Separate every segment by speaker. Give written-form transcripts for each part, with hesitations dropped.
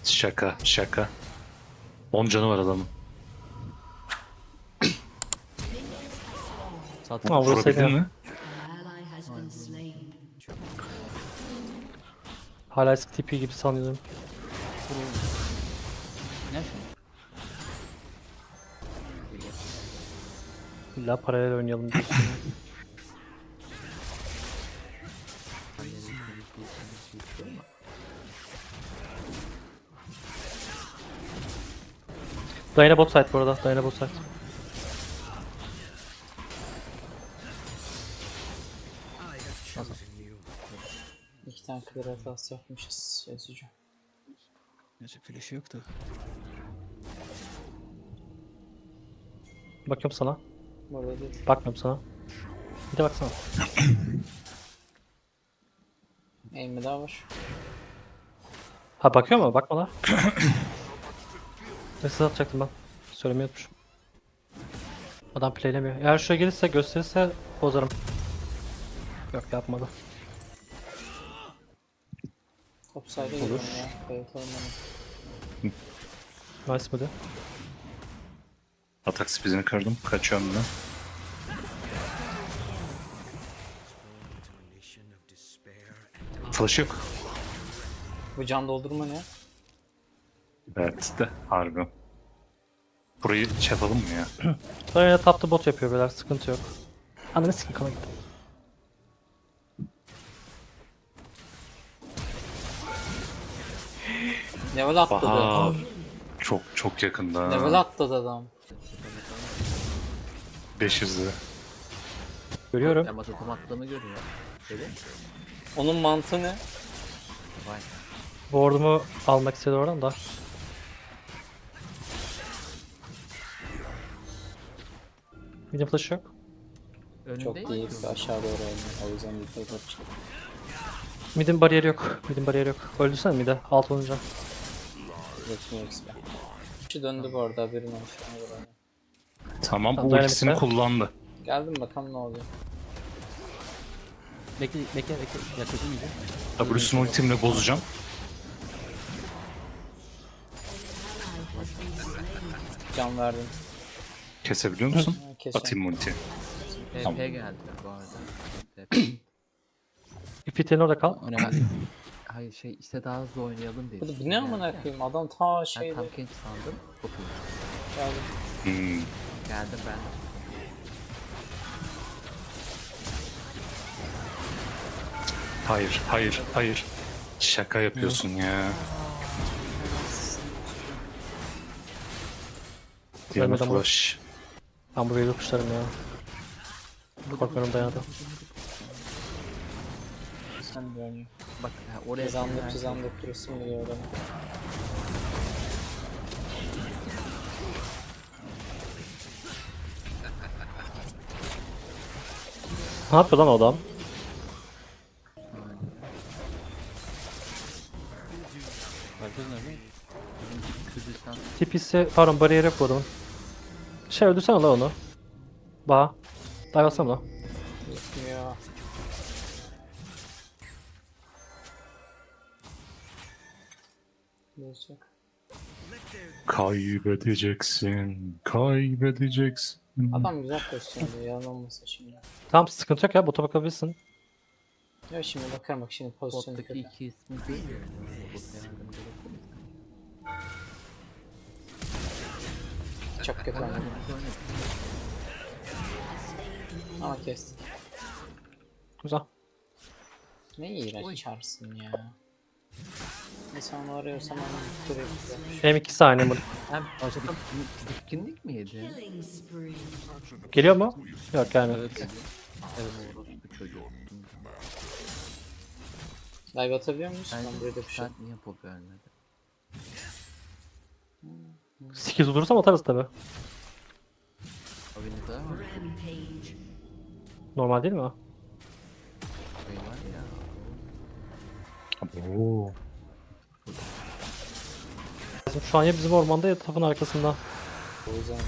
Speaker 1: Şaka şaka. 10 canı var adamın.
Speaker 2: Satın.
Speaker 3: Ha,
Speaker 1: Vurabildin
Speaker 3: vursaydı.
Speaker 1: mi?
Speaker 3: Hala eski tipi gibi sanıyorum.
Speaker 2: Ne şu?
Speaker 3: İlla paralel oynayalım diyorsun. Diana bot side bu arada. Diana bot side.
Speaker 4: İki tane clear hatası yapmışız yazıcı.
Speaker 2: Neyse flash'ı yoktu.
Speaker 3: Bakıyorum sana.
Speaker 4: Burada değil.
Speaker 3: Bakmıyorum sana. Bir de baksana.
Speaker 4: Aim'i daha var.
Speaker 3: Ha bakıyor mu? Bakma la. Mesaj atacaktım ben. Söylemeyi unutmuşum. Adam playlemiyor. Eğer şuraya gelirse gösterirse bozarım. Yok yapmadı.
Speaker 4: Topside'a gidiyorum ya. Kayatalım onu.
Speaker 3: Nice mıydı?
Speaker 1: Atak speedini kırdım. Kaçıyorum ben. Flash yok.
Speaker 4: Bu can doldurma ne?
Speaker 1: Evet de harbi. Burayı şey yapalım mı ya?
Speaker 3: Diana taptı bot yapıyor beyler. Sıkıntı yok. Ananı sikim kana gitti.
Speaker 4: Level atladı.
Speaker 1: Bahar. Çok çok yakında.
Speaker 4: Level atladı adam.
Speaker 1: 500'de.
Speaker 3: Görüyorum.
Speaker 2: Ama totem attığımı görüyor. Dedi.
Speaker 4: Onun mantığı ne?
Speaker 2: Vay.
Speaker 3: Ward'umu almak istedi oradan da. Medium flash yok.
Speaker 4: Çok
Speaker 2: Önünde
Speaker 4: değil. Aşağı doğru oynuyor. O yüzden yukarı kaçtı.
Speaker 3: Mid'in bariyeri yok. Mid'in bariyeri yok. Öldürsene mid'e. Alt olunca.
Speaker 4: Yetmiyor XP. Kişi döndü bu arada haberin olsun. Ona göre oyna.
Speaker 1: Tamam,
Speaker 3: Tamam,
Speaker 1: ultisini
Speaker 3: Dynamite'e.
Speaker 1: kullandı.
Speaker 4: Geldim bakalım ne oluyor.
Speaker 2: Bekle bekle bekle. Yaklaşım iyice.
Speaker 1: W'sunu ultimle bozacağım.
Speaker 4: Can verdim.
Speaker 1: Kesebiliyor musun?
Speaker 4: Ha, kesiyorum.
Speaker 1: Atayım ulti.
Speaker 2: TP
Speaker 1: Tamam.
Speaker 2: geldi bu arada. TP.
Speaker 3: İpite'nin orada kal.
Speaker 2: Önemli. Hayır şey işte daha hızlı oynayalım diye.
Speaker 4: Bu ne amına koyayım adam ta
Speaker 2: Ben
Speaker 4: şeyde
Speaker 2: tam genç sandım. Çok iyi.
Speaker 4: geldi.
Speaker 1: Hmm.
Speaker 2: Geldim ben.
Speaker 1: Hayır, hayır, hayır. Şaka yapıyorsun ya. Diana
Speaker 3: Ölmedi ama.
Speaker 1: flash.
Speaker 3: Ben burayı yokuşlarım ya. Korkuyorum Diana'dan.
Speaker 4: Sen de oynuyor.
Speaker 2: Bak ha, oraya
Speaker 4: Cızandık cızandık durursun geliyor adam.
Speaker 3: Ne yapıyor lan o adam?
Speaker 2: Herkes nerede? Kürdistan.
Speaker 3: Tipisi pardon bariyeri yok bu adamın. Şey öldürsene la onu. Baha. Dayvasana la.
Speaker 4: Yetmiyor. Bozacak.
Speaker 1: Kaybedeceksin, kaybedeceksin.
Speaker 4: Adam güzel pozisyonda yalan olmasa şimdi.
Speaker 3: Tamam sıkıntı yok ya bota bakabilirsin.
Speaker 4: Ya şimdi bakarım bak şimdi pozisyonu
Speaker 2: Bottaki
Speaker 4: kötü.
Speaker 2: iki ismi değil mi? Bot yardımcı olabilir.
Speaker 4: Çok kötü oynadı. Ama kestik.
Speaker 3: Güzel.
Speaker 4: Ne iğrenç çarsın ya. Neyse onu arıyorsam onu buraya yapacağım.
Speaker 3: Hem 2 saniye mi?
Speaker 2: Hem bitkinlik mi yedi?
Speaker 3: Geliyor mu? Yok gelmiyor.
Speaker 2: Evet. Evet orospu çocuğu.
Speaker 4: Dive atabiliyor muyuz?
Speaker 2: Ben
Speaker 4: Ben burada bir şey.
Speaker 2: sen niye pop vermedi?
Speaker 3: 8 bulursam atarız tabi.
Speaker 2: Abi ne kadar var?
Speaker 3: Normal değil mi o?
Speaker 2: Şey var ya.
Speaker 1: Oo.
Speaker 3: Şu an ya bizim ormanda ya tapın arkasında.
Speaker 4: O yüzden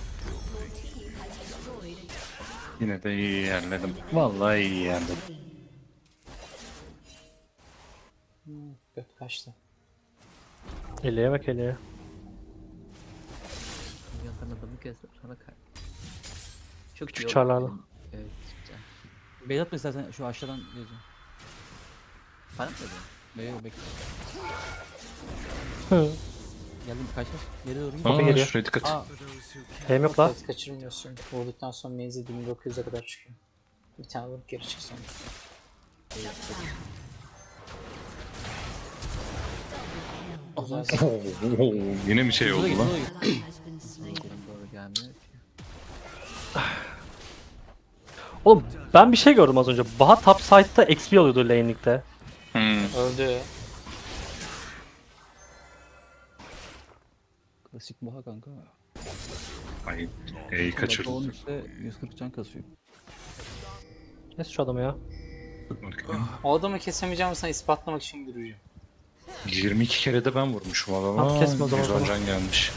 Speaker 1: Yine de iyi yerledim. Vallahi iyi yerledim.
Speaker 4: göt kaçtı.
Speaker 3: Eliye bak eliye.
Speaker 2: Yandan adamı kestim sonra kay. Çok
Speaker 3: Küçük
Speaker 2: iyi oldu.
Speaker 3: çarlarla.
Speaker 2: Evet güzel.
Speaker 5: Beyaz atma istersen şu aşağıdan gözüm.
Speaker 2: Bana mı dedin?
Speaker 5: Beyaz bekle.
Speaker 3: Hı.
Speaker 5: Geldim kaç kaç. Geri doğru git.
Speaker 3: Topu
Speaker 1: Aa,
Speaker 3: geliyor.
Speaker 1: şuraya dikkat.
Speaker 5: Aa,
Speaker 3: Hem yok la.
Speaker 4: Evet, kaçırmıyorsun. Vurduktan sonra menzil 1900'e kadar çıkıyor. Bir tane vurup geri çık sonra. Güzel.
Speaker 1: Yine bir şey oldu lan.
Speaker 2: Doğru gelmiyor ki.
Speaker 3: Oğlum ben bir şey gördüm az önce. Baha top side'da XP alıyordu lane'likte.
Speaker 4: Öldü.
Speaker 5: klasik boğa kanka.
Speaker 1: Ay, iyi
Speaker 5: Onun
Speaker 1: kaçırdım.
Speaker 5: üstte 140 can kasıyor.
Speaker 3: Kes şu adamı ya.
Speaker 4: O adamı kesemeyeceğimi sana ispatlamak için yürüyeceğim.
Speaker 1: 22 kere de ben vurmuşum adama.
Speaker 3: Tamam, kesme o zaman.
Speaker 1: 110 can gelmiş.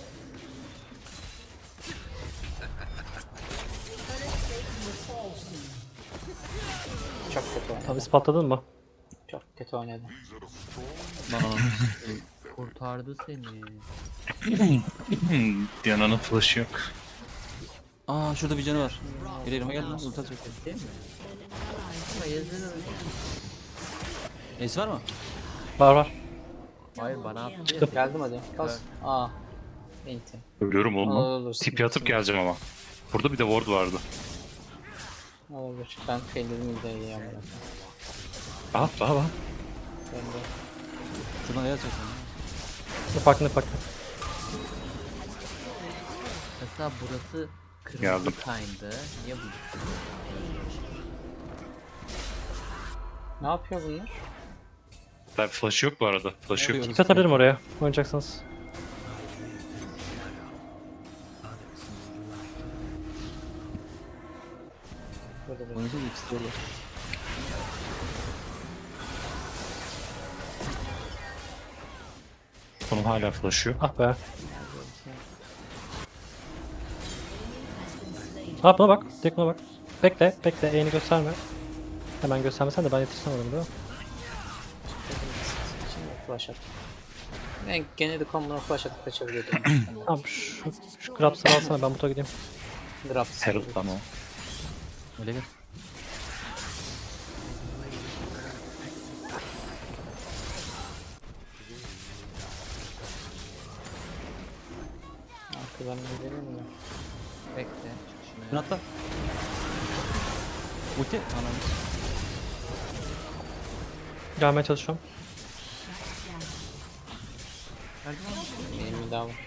Speaker 4: Çok kötü oynadı.
Speaker 3: Tabi ispatladın mı?
Speaker 4: Çok kötü oynadı.
Speaker 5: Lan anam.
Speaker 2: Kurtardı seni.
Speaker 1: Diana'nın flash'ı yok.
Speaker 5: Aa şurada bir canı var. Geliyorum gel lan ulti atacak.
Speaker 2: Değil mi? Ama yazılı öyle.
Speaker 5: Neyse var mı?
Speaker 3: Var var.
Speaker 2: Hayır bana attı ya.
Speaker 4: Geldim hadi. Bas. Aa. Enti.
Speaker 1: Ölüyorum oğlum lan.
Speaker 4: Olur.
Speaker 1: Tipi atıp geleceğim ama. Burada bir de ward vardı.
Speaker 4: Olur. Ben failledim bir de iyi ama.
Speaker 1: Aha aha.
Speaker 4: Ben de.
Speaker 5: Şuradan ne atacak?
Speaker 3: Ne fark ne fark.
Speaker 2: Mesela burası kırmızı
Speaker 1: Geldim.
Speaker 2: kayndı. Niye bu?
Speaker 4: Ne yapıyor bunlar?
Speaker 1: Tabi flash'ı yok bu arada. Flash'ı yok.
Speaker 3: Tip atabilirim oraya. Oynayacaksanız.
Speaker 4: Burada bir.
Speaker 5: Oynayacağız ikisi de orada.
Speaker 1: Onun hala flash'ı yok.
Speaker 3: Ah be. Ha buna bak. Direkt buna bak. Bekle. Bekle. E'ni gösterme. Hemen göstermesen de ben yetişsem adamı değil mi?
Speaker 4: Şimdi flash at. Ben gene de combo'na flash atıp kaçabiliyordum.
Speaker 3: Tamam şu grabs'ı alsana ben buta gideyim.
Speaker 4: Drops.
Speaker 1: Herald lan o.
Speaker 5: Öyle gel.
Speaker 4: Arkadan gidelim mi?
Speaker 2: Bekle. Çıkışını.
Speaker 5: Şunu atla. Ulti. Anam.
Speaker 3: Gelmeye çalışıyorum.
Speaker 4: Benim bir daha var.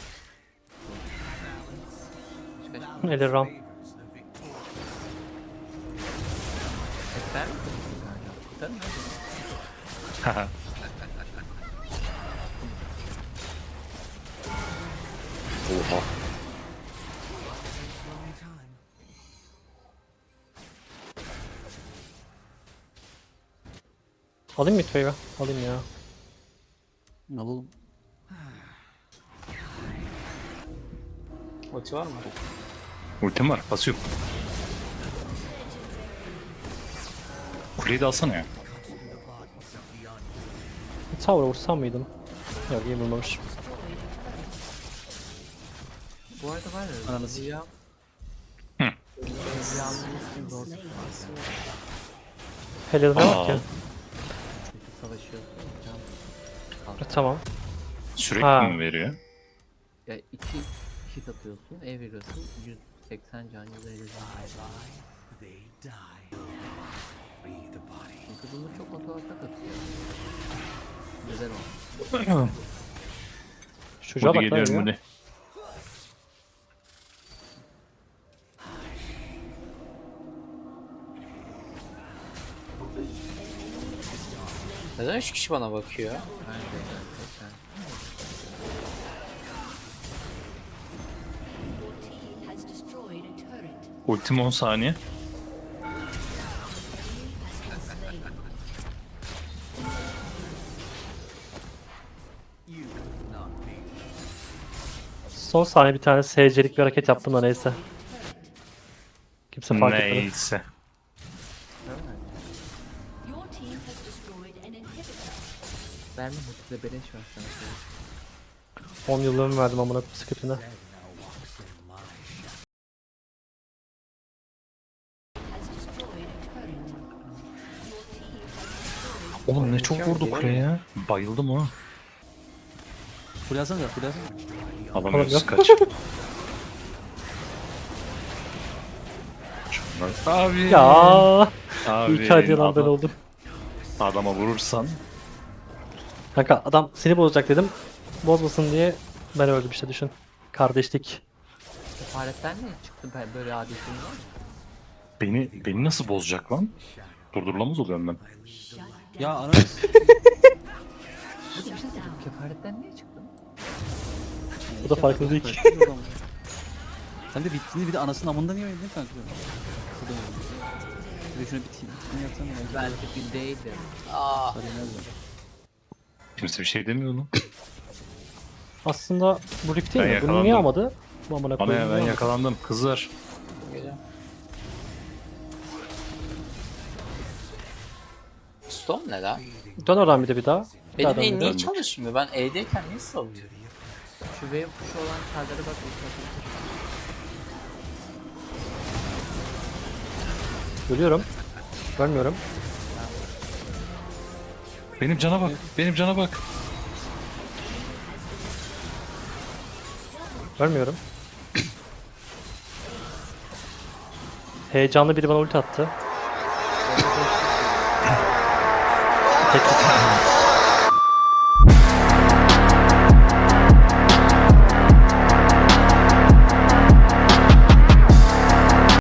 Speaker 3: Eli ram.
Speaker 2: Ekber mi? Kurtar mı?
Speaker 1: Haha. Oha.
Speaker 3: Alayım mı Mitve'yi? Alayım ya.
Speaker 5: Alalım.
Speaker 4: Ulti var mı?
Speaker 1: Ultim var. Basıyorum. Kuleyi de alsana ya.
Speaker 3: Tower'a vursam mıydım? Yok iyi vurmamış.
Speaker 2: Bu arada var ya.
Speaker 5: Ananı
Speaker 2: Ziya.
Speaker 1: Hı.
Speaker 2: Ziya'nın ismi zor.
Speaker 3: Helal ne
Speaker 1: Aa.
Speaker 3: var ki?
Speaker 2: Çünkü savaşıyorsun. Can.
Speaker 3: Tamam.
Speaker 1: Sürekli
Speaker 3: Ha.
Speaker 1: mi veriyor?
Speaker 2: Ya iki hit atıyorsun, ev veriyorsun. 180 can, 150 can. Çünkü bunu çok otomatik atıyor. Güzel oldu.
Speaker 3: Şu çocuğa
Speaker 1: Hadi
Speaker 3: bak lan
Speaker 1: geliyorum
Speaker 3: ya.
Speaker 1: hadi.
Speaker 4: Neden 3 kişi bana bakıyor?
Speaker 2: Bence gerçekten.
Speaker 6: Has destroyed a turret.
Speaker 1: Ultim 10 saniye.
Speaker 3: Son saniye bir tane SC'lik bir hareket yaptım da neyse. Kimse fark etmedi.
Speaker 1: Neyse.
Speaker 6: Your team has destroyed an inhibitor.
Speaker 2: Verme hızlı beleş var sana.
Speaker 3: 10 yıllığımı verdim amına scriptine.
Speaker 6: Has destroyed a turret.
Speaker 1: Oğlum ne çok vurdu kuleye ya. Bayıldım ha.
Speaker 5: Full alsana da full alsana.
Speaker 1: Alamıyoruz
Speaker 3: Oğlum
Speaker 1: kaç. Şunlar- Abi.
Speaker 3: Ya
Speaker 1: Abi.
Speaker 3: iyi ki hadi lan ben
Speaker 1: adam-
Speaker 3: oldum.
Speaker 1: Adama vurursan.
Speaker 3: Kanka adam seni bozacak dedim. Bozmasın diye ben öldüm işte düşün. Kardeşlik.
Speaker 2: Kefaretten ne çıktı böyle adetin var?
Speaker 1: Beni nasıl bozacak lan? Durdurulamaz oluyorum ben.
Speaker 5: Ya ana.
Speaker 2: Bir şey diyeceğim. Kefaretten ne çıktı?
Speaker 3: Bu da farklı değil ki.
Speaker 5: Sen de bittiğini bir de anasının amında niye oynadın kanka? Şurada oynadın. Bir de şuna bittiğini yapsana ya.
Speaker 2: Belki bir değildi.
Speaker 4: Aa,
Speaker 5: Sarı yemez mi?
Speaker 1: Kimse bir şey demiyor lan.
Speaker 3: Aslında bu Rift değil
Speaker 1: Ben
Speaker 3: mi? Bunu niye
Speaker 1: yakalandım.
Speaker 3: almadı? Bu amına
Speaker 1: Bana
Speaker 3: koyayım.
Speaker 1: ya ben
Speaker 3: niye almadı?
Speaker 1: yakalandım kızlar.
Speaker 4: geliyorum. Stone ne lan?
Speaker 3: Dön oradan bir daha. Bir daha
Speaker 4: Benim
Speaker 3: dön
Speaker 4: el
Speaker 3: bir daha.
Speaker 4: niye çalışmıyor? Ben E'deyken niye salıyor?
Speaker 2: Şu wave kuşu olan karlara bak. Ulti
Speaker 3: Görüyorum. Görmüyorum.
Speaker 1: Benim cana bak. Benim cana bak.
Speaker 3: Görmüyorum. Heyecanlı biri bana ulti attı. Tek